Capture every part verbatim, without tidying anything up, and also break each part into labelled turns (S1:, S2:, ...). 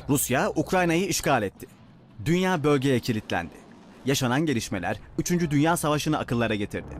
S1: Rusya, Ukrayna'yı işgal etti. Dünya bölgeye kilitlendi. Yaşanan gelişmeler üçüncü. Dünya Savaşı'nı akıllara getirdi.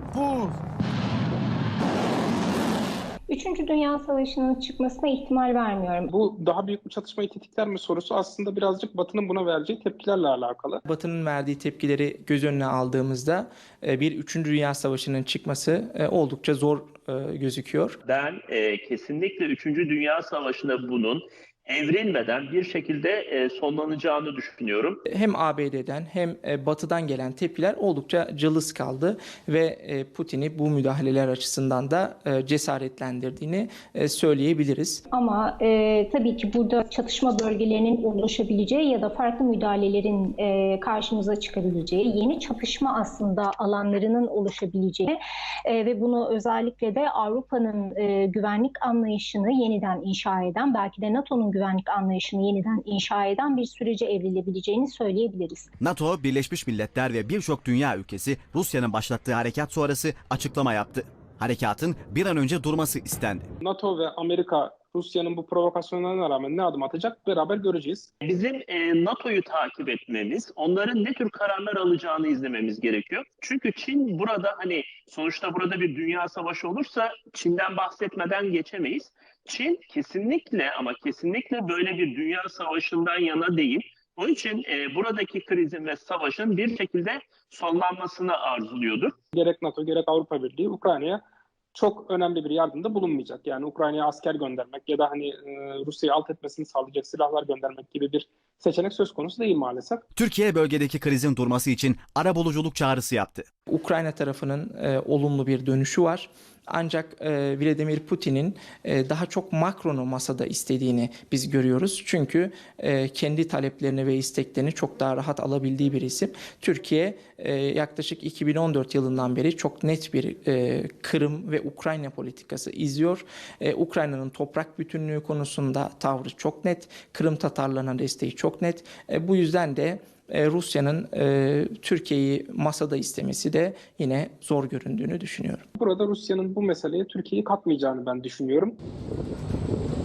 S2: Üçüncü Dünya Savaşı'nın çıkmasına ihtimal vermiyorum.
S3: Bu daha büyük bir çatışmayı tetikler mi sorusu aslında birazcık Batı'nın buna vereceği tepkilerle alakalı.
S4: Batı'nın verdiği tepkileri göz önüne aldığımızda bir üçüncü. Dünya Savaşı'nın çıkması oldukça zor gözüküyor.
S5: Ben e, kesinlikle üçüncü. Dünya Savaşı'nda bunun evrilmeden bir şekilde e, sonlanacağını düşünüyorum.
S4: Hem A B D'den hem Batı'dan gelen tepkiler oldukça cılız kaldı ve Putin'i bu müdahaleler açısından da cesaretlendirdiğini söyleyebiliriz.
S2: Ama e, tabii ki burada çatışma bölgelerinin oluşabileceği ya da farklı müdahalelerin e, karşımıza çıkabileceği, yeni çatışma aslında alanlarının oluşabileceği e, ve bunu özellikle de Avrupa'nın e, güvenlik anlayışını yeniden inşa eden, belki de NATO'nun güvenlik anlayışını yeniden inşa eden bir sürece evrilebileceğini söyleyebiliriz.
S1: NATO, Birleşmiş Milletler ve birçok dünya ülkesi Rusya'nın başlattığı harekat sonrası açıklama yaptı. Harekatın bir an önce durması istendi.
S3: NATO ve Amerika Rusya'nın bu provokasyonlarına rağmen ne adım atacak beraber göreceğiz.
S5: Bizim e, NATO'yu takip etmemiz, onların ne tür kararlar alacağını izlememiz gerekiyor. Çünkü Çin burada hani sonuçta burada bir dünya savaşı olursa Çin'den bahsetmeden geçemeyiz. Çin kesinlikle ama kesinlikle böyle bir dünya savaşından yana değil. Onun için e, buradaki krizin ve savaşın bir şekilde sonlanmasını arzuluyordur.
S3: Gerek NATO gerek Avrupa Birliği Ukrayna'ya çok önemli bir yardımda bulunmayacak. Yani Ukrayna'ya asker göndermek ya da hani e, Rusya'yı alt etmesini sağlayacak silahlar göndermek gibi bir seçenek söz konusu değil maalesef.
S1: Türkiye bölgedeki krizin durması için arabuluculuk çağrısı yaptı.
S4: Ukrayna tarafının e, olumlu bir dönüşü var. Ancak e, Vladimir Putin'in e, daha çok Macron'u masada istediğini biz görüyoruz. Çünkü e, kendi taleplerini ve isteklerini çok daha rahat alabildiği bir isim. Türkiye e, yaklaşık iki bin on dört yılından beri çok net bir e, Kırım ve Ukrayna politikası izliyor. E, Ukrayna'nın toprak bütünlüğü konusunda tavrı çok net. Kırım Tatarlarına desteği çok net. E, bu yüzden de Rusya'nın e, Türkiye'yi masada istemesi de yine zor göründüğünü düşünüyorum.
S3: Burada Rusya'nın bu meseleye Türkiye'yi katmayacağını ben düşünüyorum.